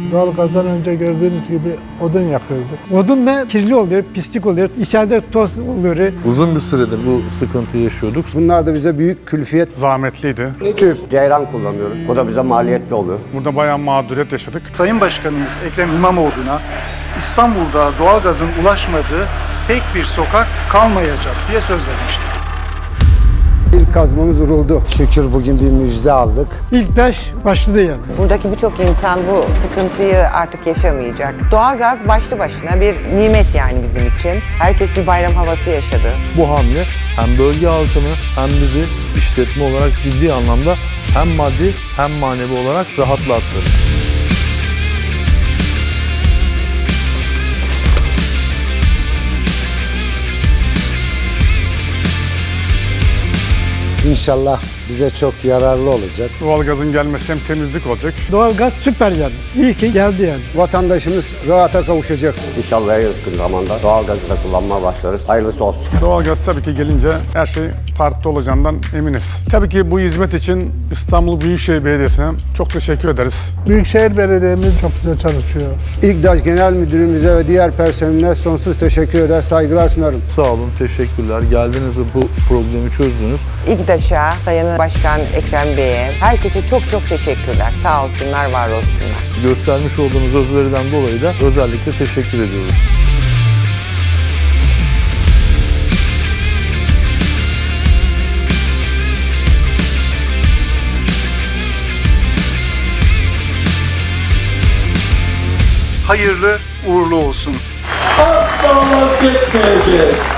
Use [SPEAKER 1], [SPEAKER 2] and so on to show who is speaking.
[SPEAKER 1] Doğalgazdan önce gördüğünüz gibi odun yakıyorduk.
[SPEAKER 2] Odun da kirli oluyor, pislik oluyor, içeride toz oluyor.
[SPEAKER 3] Uzun bir süredir bu sıkıntıyı yaşıyorduk.
[SPEAKER 4] Bunlar da bize büyük külfiyet.
[SPEAKER 5] Zahmetliydi.
[SPEAKER 4] Tüp, ceyran kullanıyoruz. O da bize maliyetli oluyor.
[SPEAKER 5] Burada bayağı mağduriyet yaşadık.
[SPEAKER 6] Sayın Başkanımız Ekrem İmamoğlu'na İstanbul'da doğalgazın ulaşmadığı tek bir sokak kalmayacak diye söz vermişti.
[SPEAKER 4] İlk kazmamız vuruldu. Şükür bugün bir müjde aldık.
[SPEAKER 2] İlk taş başladı yani.
[SPEAKER 7] Buradaki birçok insan bu sıkıntıyı artık yaşamayacak. Doğalgaz başlı başına bir nimet yani bizim için. Herkes bir bayram havası yaşadı.
[SPEAKER 3] Bu hamle hem bölge halkını hem bizi işletme olarak ciddi anlamda hem maddi hem manevi olarak rahatlattı.
[SPEAKER 4] İnşallah bize çok yararlı olacak.
[SPEAKER 5] Doğalgazın gelmesi hem temizlik olacak.
[SPEAKER 2] Doğalgaz süper yani. İyi ki geldi yani.
[SPEAKER 4] Vatandaşımız rahata kavuşacak.
[SPEAKER 8] İnşallah en yakın zamanda doğalgazı da kullanmaya başlarız. Hayırlısı olsun.
[SPEAKER 5] Doğalgaz tabii ki gelince her şey farklı olacağından eminiz. Tabii ki bu hizmet için İstanbul Büyükşehir Belediyesi'ne çok teşekkür ederiz.
[SPEAKER 1] Büyükşehir Belediye'miz çok güzel çalışıyor.
[SPEAKER 4] İGDAŞ Genel Müdürümüze ve diğer personeline sonsuz teşekkür eder, saygılar sunarım.
[SPEAKER 3] Sağ olun, teşekkürler. Geldiniz ve bu problemi çözdünüz.
[SPEAKER 7] İGDAŞ'a, Sayın Başkan Ekrem Bey'e, herkese çok çok teşekkürler. Sağ olsunlar, var olsunlar.
[SPEAKER 3] Göstermiş olduğunuz özveriden dolayı da özellikle teşekkür ediyoruz.
[SPEAKER 6] Hayırlı uğurlu olsun.
[SPEAKER 9] Asla vazgeçmeyeceğiz.